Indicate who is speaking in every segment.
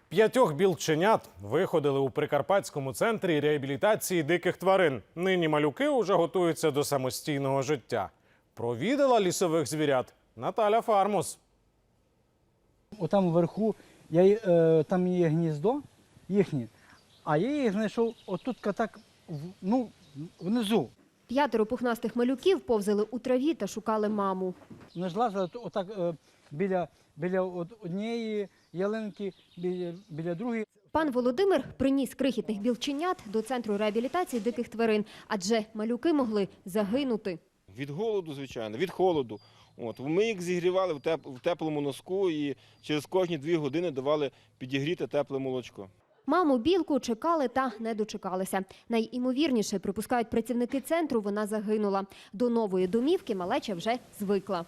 Speaker 1: 5 білченят виходили у Прикарпатському центрі реабілітації диких тварин. Нині малюки уже готуються до самостійного життя. Провідала лісових звірят Наталя Фармус.
Speaker 2: Отам вверху, там є гніздо їхнє, а я їх знайшов отут так, внизу.
Speaker 3: 5 пухнастих малюків повзали у траві та шукали маму.
Speaker 2: Вони ж лазили отак біля однієї ялинки, біля другої.
Speaker 3: Пан Володимир приніс крихітних білченят до центру реабілітації диких тварин, адже малюки могли загинути.
Speaker 4: Від голоду, звичайно, від холоду. Ми їх зігрівали в теплому носку і через кожні 2 години давали підігріте тепле молочко.
Speaker 3: Маму білку чекали та не дочекалися. Найімовірніше, припускають працівники центру, вона загинула. До нової домівки малеча вже звикла.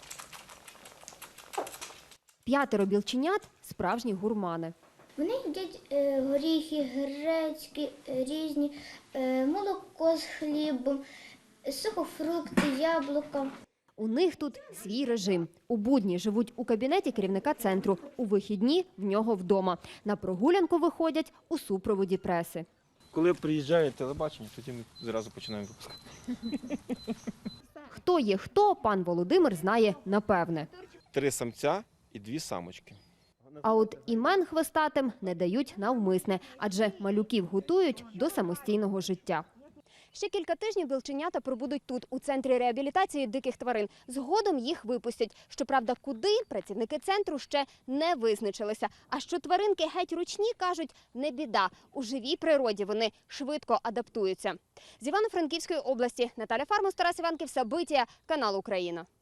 Speaker 3: 5 білченят – справжні гурмани.
Speaker 5: Вони їдять горіхи, гречки різні, молоко з хлібом, сухофрукти, яблука.
Speaker 3: У них тут свій режим. У будні живуть у кабінеті керівника центру, у вихідні – в нього вдома. На прогулянку виходять у супроводі преси.
Speaker 4: Коли приїжджає телебачення, тоді ми зразу починаємо випускати.
Speaker 3: Хто є хто, пан Володимир знає напевне.
Speaker 4: 3 самця і 2 самочки.
Speaker 3: А от імен хвостатим не дають навмисне, адже малюків готують до самостійного життя. Ще кілька тижнів білченята пробудуть тут, у центрі реабілітації диких тварин. Згодом їх випустять. Щоправда, куди – працівники центру ще не визначилися. А що тваринки геть ручні, кажуть, не біда. У живій природі вони швидко адаптуються. З Івано-Франківської області Наталя Фармус, Тарас Іванків, Сабитія, канал Україна.